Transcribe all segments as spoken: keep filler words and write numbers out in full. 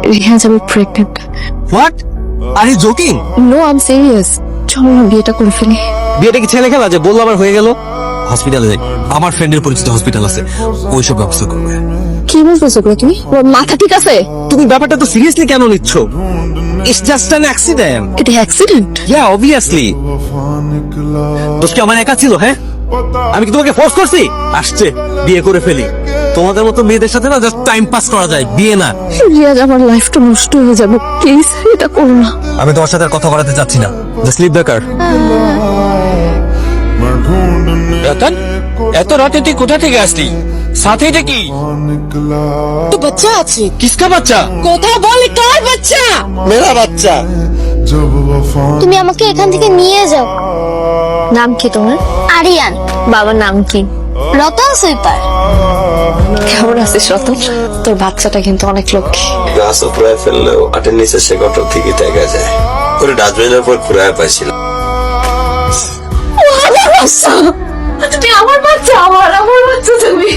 রিহাজ, আমি pregnant. What, are you joking? No, I am serious. চলো না বিয়েটা করে ফেলি। বিয়েটা কি ছেলে খেলা যে বললো আমার হয়ে গেল? হসপিটালে যাই, আমার ফ্রেন্ডের পরিচিত হসপিটাল আছে, ওইসব ব্যবস্থা করবে। কি বলতেছো গো তুমি? ওর মাথা ঠিক আছে? তুমি ব্যাপারটা তো সিরিয়াসলি কেন নিচ্ছ? It's just an accident. এটা অ্যাক্সিডেন্ট? Yeah obviously. দোষ কি আমার একা ছিল? হ্যাঁ, আমি কি তোমাকে ফোর্স করছি? আসছে, বিয়ে করে ফেলি। তোমাদের মতো মেয়েদের সাথে না জাস্ট টাইম পাস করা যায়, বিয়ে না। রিয়াজ, আমার লাইফটা নষ্ট হয়ে যাবে, প্লিজ এটা করো না। আমি তোমার সাথে আর কথা বলাতে চাচ্ছি না, just leave the car. Ratan, এত রাতে তুই কোথা থেকে আসলি? সাথে এটা কি? তো বাচ্চা আছে। কিসকা বাচ্চা? কথা বল, কার বাচ্চা? মেরা বাচ্চা। তুমি আমাকে এখান থেকে নিয়ে যাও। নাম কি তোমার? আরিয়ান। বাবার নাম কি? রতন সুইপার। কেমন আছিস রতন? তোর বাচ্চাটা কিন্তু অনেক লক্ষ্মী। গাছ উপড়ায় ফেললেও আটের নিচে সে গটর থেকে দেখা যায়। ওরে ডাস্টবিনের উপর কুড়ায় পাইছিল। তুমি আমার বাচ্চা, আমার আমার বাচ্চা তুমি।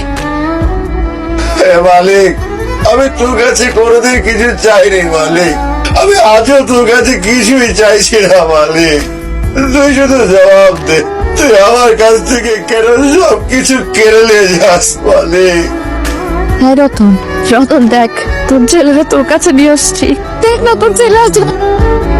মালিক, আমি তোর কাছে কোনোদিন কিছু চাইনি মালিক, আমি আজও তোর কাছে কিছুই চাইছি না মালিক। তুই শুধু জবাব দে, তুই আমার কাছ থেকে কেন সব কিছু কেড়ে নিয়ে যাস মালিক? হ্যাঁ রতন, রতন দেখ, তোর ছেলেরা তোর কাছে নিয়ে আসছি। দেখ না, তোর ছেলে আসছে।